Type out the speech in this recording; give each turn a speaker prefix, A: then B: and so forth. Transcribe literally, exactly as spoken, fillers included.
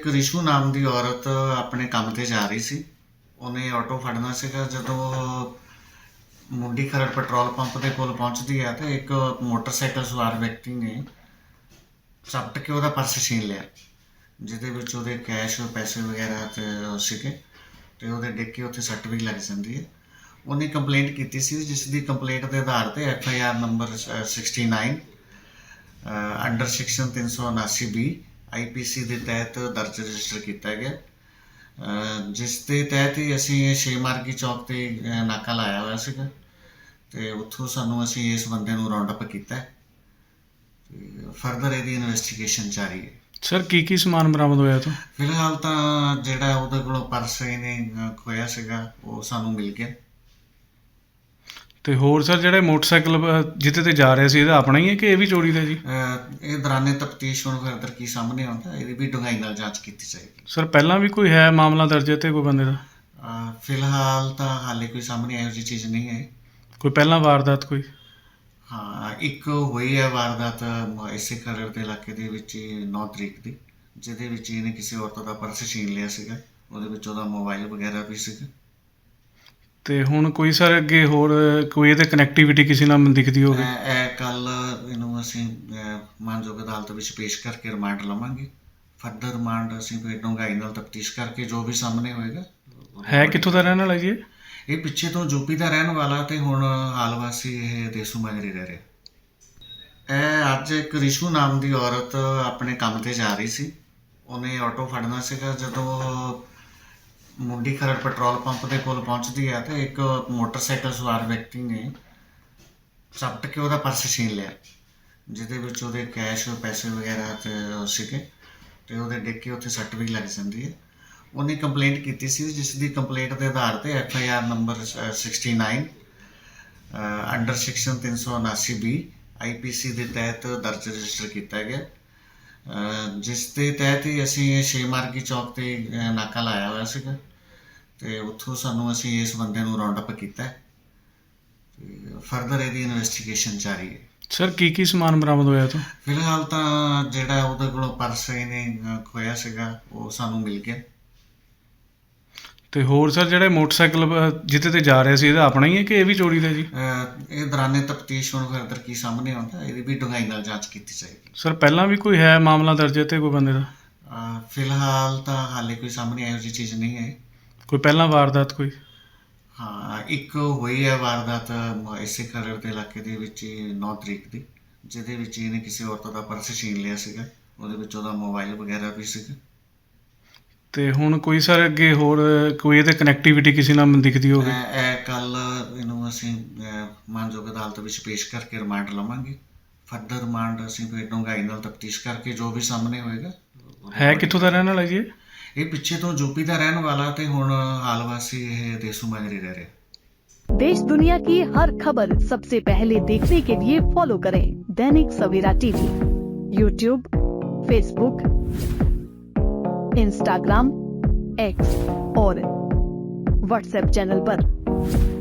A: ਰਿਸ਼ੂ ਨਾਮ ਦੀ ਔਰਤ ਆਪਣੇ ਕੰਮ ਤੇ ਜਾ ਰਹੀ ਸੀ। ਉਹਨੇ ਆਟੋ ਫੜਨਾ ਸੀਗਾ। ਜਦੋਂ ਮੁੰਡੀ ਖਰੜ ਪੈਟਰੋਲ ਪੰਪ ਦੇ ਕੋਲ ਪਹੁੰਚਦੀ ਹੈ ਤਾਂ ਇੱਕ ਮੋਟਰਸਾਈਕਲ ਸਵਾਰ ਵਿਅਕਤੀ ਨੇ ਝਪਟ ਕੇ ਉਹਦਾ ਪਰਸ ਛੀਨ ਲਿਆ, ਜਿਹਦੇ ਵਿੱਚ ਉਹਦੇ ਕੈਸ਼ ਪੈਸੇ ਵਗੈਰਾ ਤੇ ਸੀਗੇ, ਤੇ ਉਹਦੇ ਡਿੱਗ ਕੇ ਉੱਥੇ ਸੱਟ ਵੀ ਲੱਗ ਜਾਂਦੀ ਹੈ। ਉਹਨੇ ਕੰਪਲੇਂਟ ਕੀਤੀ ਸੀ, ਜਿਸ ਦੀ ਕੰਪਲੇਂਟ ਦੇ ਆਧਾਰ ਤੇ F I R number sixty nine under section ਤਿੰਨ ਸੌ ਉਨਾਸੀ ਬੀ ਆਈ ਪੀ ਸੀ ਦੇ ਤਹਿਤ ਦਰਜ ਰਜਿਸਟਰ ਕੀਤਾ ਗਿਆ, ਜਿਸ ਦੇ ਤਹਿਤ ਹੀ ਅਸੀਂ ਛੇ ਮਾਰਗੀ ਚੌਕ ਤੇ ਨਾਕਾ ਲਾਇਆ ਹੋਇਆ ਸੀਗਾ, ਤੇ ਉੱਥੋਂ ਸਾਨੂੰ ਅਸੀਂ ਇਸ ਬੰਦੇ ਨੂੰ ਰਾਉਂਡ ਅਪ ਕੀਤਾ ਤੇ ਫਰਦਰ ਇਹਦੀ ਇਨਵੈਸਟੀਗੇਸ਼ਨ ਜਾਰੀ ਹੈ।
B: ਸਰ ਕੀ ਕੀ ਸਮਾਨ ਬਰਾਮਦ ਹੋਇਆ ਤੋਂ?
A: ਫਿਲਹਾਲ ਤਾਂ ਜਿਹੜਾ ਉਹਦੇ ਕੋਲੋਂ ਪਰਸ ਇਹਨੇ ਖੋਇਆ ਸੀਗਾ ਉਹ ਸਾਨੂੰ ਮਿਲ ਗਿਆ।
B: ਤੇ ਹੋਰ ਸਰ ਜਿਹੜੇ ਮੋਟਰਸਾਈਕਲ ਜਿਹਦੇ ਤੇ ਜਾ ਰਿਹਾ ਸੀ, ਇਹਦਾ ਆਪਣਾ ਹੀ ਹੈ ਕਿ ਇਹ ਵੀ ਚੋਰੀ ਦਾ ਜੀ?
A: ਇਹ ਦੌਰਾਨੇ ਤਫਤੀਸ਼ ਹੁਣ ਫਰਦਰ ਕੀ ਸਾਹਮਣੇ ਆਉਂਦਾ, ਇਹਦੀ ਵੀ ਡੂੰਘਾਈ ਨਾਲ ਜਾਂਚ ਕੀਤੀ ਜਾਏਗੀ।
B: ਸਰ ਪਹਿਲਾਂ ਵੀ ਕੋਈ ਹੈ ਮਾਮਲਾ ਦਰਜ ਤੇ ਕੋਈ ਬੰਦੇ ਦਾ?
A: ਫਿਲਹਾਲ ਤਾਂ ਹਾਲੇ ਕੋਈ ਸਾਹਮਣੇ ਇਹੋ ਜਿਹੀ ਚੀਜ਼ ਨਹੀਂ ਹੈ।
B: ਕੋਈ ਪਹਿਲਾਂ ਵਾਰਦਾਤ ਕੋਈ?
A: ਹਾਂ, ਇੱਕ ਹੋਈ ਹੈ ਵਾਰਦਾਤ ਇਸੇ ਖਰੜ ਦੇ ਇਲਾਕੇ ਦੇ ਵਿੱਚ ਨੌ ਤਰੀਕ ਦੀ, ਜਿਹਦੇ ਵਿੱਚ ਇਹਨੇ ਕਿਸੇ ਔਰਤ ਦਾ ਪਰਸ ਛੀਨ ਲਿਆ ਸੀਗਾ, ਉਹਦੇ ਵਿੱਚ ਉਹਦਾ ਮੋਬਾਈਲ ਵਗੈਰਾ ਵੀ ਸੀਗਾ।
B: ਤੇ ਹੁਣ ਕੋਈ ਸਰ ਅੱਗੇ ਹੋਰ ਕੋਈ ਇਹਦੇ ਕਨੈਕਟੀਵਿਟੀ ਕਿਸੇ ਨਾਲ ਦਿਖਦੀ ਹੋਵੇ?
A: ਇਹ ਕੱਲ ਇਹਨੂੰ ਅਸੀਂ ਮਾਨਯੋਗ ਅਦਾਲਤ ਵਿੱਚ ਪੇਸ਼ ਕਰਕੇ ਰਿਮਾਂਡ ਲਵਾਂਗੇ। ਫਰਦਰ ਰਿਮਾਂਡ ਅਸੀਂ ਫਿਰ ਡੂੰਘਾਈ ਨਾਲ ਤਫਤੀਸ਼ ਕਰਕੇ ਜੋ ਵੀ ਸਾਹਮਣੇ ਹੋਏਗਾ।
B: ਹੈ ਕਿੱਥੋਂ ਦਾ ਰਹਿਣ ਵਾਲਾ ਜੀ ਇਹ?
A: ਇਹ ਪਿੱਛੇ ਤੋਂ ਯੂਪੀ ਦਾ ਰਹਿਣ ਵਾਲਾ ਤੇ ਹੁਣ ਹਾਲ ਵਾਸੀ ਇਹ ਦੇਸੂ ਮਾਜਰੇ ਰਹਿ ਰਿਹਾ। ਇਹ ਅੱਜ ਇੱਕ ਰਿਸ਼ੂ ਨਾਮ ਦੀ ਔਰਤ ਆਪਣੇ ਕੰਮ ਤੇ ਜਾ ਰਹੀ ਸੀ। ਉਹਨੇ ਆਟੋ ਫੜਨਾ ਸੀਗਾ। ਜਦੋਂ ਮੁੰਡੀ ਖਰੜ ਪੈਟਰੋਲ ਪੰਪ ਦੇ ਕੋਲ ਪਹੁੰਚਦੀ ਹੈ ਤਾਂ ਇੱਕ ਮੋਟਰਸਾਈਕਲ ਸਵਾਰ ਵਿਅਕਤੀ ਨੇ ਝਪਟ ਕੇ ਉਹਦਾ ਪਰਸ ਛੀਨ ਲਿਆ, ਜਿਹਦੇ ਵਿੱਚ ਉਹਦੇ ਕੈਸ਼ ਪੈਸੇ ਵਗੈਰਾ ਤੇ ਸੀਗੇ, ਤੇ ਉਹਦੇ ਡਿੱਗ ਕੇ ਉੱਥੇ ਸੱਟ ਵੀ ਲੱਗ ਜਾਂਦੀ ਹੈ। ਉਹਨੇ ਕੰਪਲੇਂਟ ਕੀਤੀ ਸੀ, ਜਿਸ ਦੀ ਕੰਪਲੇਂਟ ਦੇ ਆਧਾਰ ਤੇ F I R number sixty nine under section ਤਿੰਨ ਸੌ ਉਨਾਸੀ ਬੀ ਆਈ ਪੀ ਸੀ ਦੇ ਤਹਿਤ ਦਰਜ ਰਜਿਸਟਰ ਕੀਤਾ ਗਿਆ, ਜਿਸ ਦੇ ਤਹਿਤ ਹੀ ਅਸੀਂ ਛੇ ਮਾਰਗੀ ਚੌਕ ਤੇ ਨਾਕਾ ਲਾਇਆ ਹੋਇਆ ਸੀਗਾ, ਤੇ ਉੱਥੋਂ ਸਾਨੂੰ ਅਸੀਂ ਇਸ ਬੰਦੇ ਨੂੰ ਰਾਉਂਡ ਅਪ ਕੀਤਾ ਤੇ ਫਰਦਰ ਇਹਦੀ ਇਨਵੈਸਟੀਗੇਸ਼ਨ ਜਾਰੀ ਹੈ।
B: ਸਰ ਕੀ ਕੀ ਸਮਾਨ ਬਰਾਮਦ ਹੋਇਆ ਤੋਂ?
A: ਫਿਲਹਾਲ ਤਾਂ ਜਿਹੜਾ ਉਹਦੇ ਕੋਲੋਂ ਪਰਸ ਇਹਨੇ ਖੋਇਆ ਸੀਗਾ ਉਹ ਸਾਨੂੰ ਮਿਲ ਗਿਆ।
B: ਤੇ ਹੋਰ ਸਰ ਜਿਹੜੇ ਮੋਟਰਸਾਈਕਲ ਜਿਹਦੇ ਤੇ ਜਾ ਰਿਹਾ ਸੀ, ਇਹਦਾ ਆਪਣਾ ਹੀ ਹੈ ਕਿ ਇਹ ਵੀ ਚੋਰੀ ਦਾ ਜੀ?
A: ਇਹ ਦੌਰਾਨੇ ਤਫਤੀਸ਼ ਹੁਣ ਫਰਦਰ ਕੀ ਸਾਹਮਣੇ ਆਉਂਦਾ, ਇਹਦੀ ਵੀ ਡੂੰਘਾਈ ਨਾਲ ਜਾਂਚ ਕੀਤੀ ਜਾਏਗੀ।
B: ਸਰ ਪਹਿਲਾਂ ਵੀ ਕੋਈ ਹੈ ਮਾਮਲਾ ਦਰਜ ਤੇ ਕੋਈ ਬੰਦੇ ਦਾ?
A: ਫਿਲਹਾਲ ਤਾਂ ਹਾਲੇ ਕੋਈ ਸਾਹਮਣੇ ਇਹੋ ਜਿਹੀ ਚੀਜ਼ ਨਹੀਂ ਹੈ।
B: ਕੋਈ ਪਹਿਲਾਂ ਵਾਰਦਾਤ ਕੋਈ?
A: ਹਾਂ, ਇੱਕ ਹੋਈ ਹੈ ਵਾਰਦਾਤ ਇਸੇ ਖਰੜ ਦੇ ਇਲਾਕੇ ਦੇ ਵਿੱਚ ਨੌ ਤਰੀਕ ਦੀ, ਜਿਹਦੇ ਵਿੱਚ ਇਹਨੇ ਕਿਸੇ ਔਰਤ ਦਾ ਪਰਸ ਛੀਨ ਲਿਆ ਸੀਗਾ, ਉਹਦੇ ਵਿੱਚ ਉਹਦਾ ਮੋਬਾਈਲ ਵਗੈਰਾ ਵੀ ਸੀਗਾ।
B: ਤੇ ਹੁਣ ਕੋਈ ਸਰ ਅੱਗੇ ਹੋਰ ਕੋਈ ਇਹਦੇ ਕਨੈਕਟੀਵਿਟੀ ਕਿਸੇ ਨਾਲ ਦਿਖਦੀ ਹੋਵੇ?
A: ਇਹ ਕੱਲ ਇਹਨੂੰ ਅਸੀਂ ਮਾਨਯੋਗ ਅਦਾਲਤ ਵਿੱਚ ਪੇਸ਼ ਕਰਕੇ ਰਿਮਾਂਡ ਲਵਾਂਗੇ। ਫਰਦਰ ਰਿਮਾਂਡ ਅਸੀਂ ਫਿਰ ਡੂੰਘਾਈ ਨਾਲ ਤਫਤੀਸ਼ ਕਰਕੇ ਜੋ ਵੀ ਸਾਹਮਣੇ ਹੋਏਗਾ।
B: ਹੈ ਕਿੱਥੋਂ ਦਾ ਰਹਿਣ ਵਾਲਾ ਜੀ ਇਹ?
A: ਇਹ ਪਿੱਛੇ ਤੋਂ ਯੂਪੀ ਦਾ ਰਹਿਣ ਵਾਲਾ ਤੇ ਹੁਣ ਹਾਲ ਵਾਸੀ ਇਹ ਦੇਸੂ ਮਾਜਰੇ ਰਹਿ ਰਿਹਾ।
C: देश दुनिया की हर खबर सबसे पहले देखने के लिए फॉलो करें Dainik Savera TV, YouTube, Facebook, Instagram, X और व्हाट्सएप चैनल पर।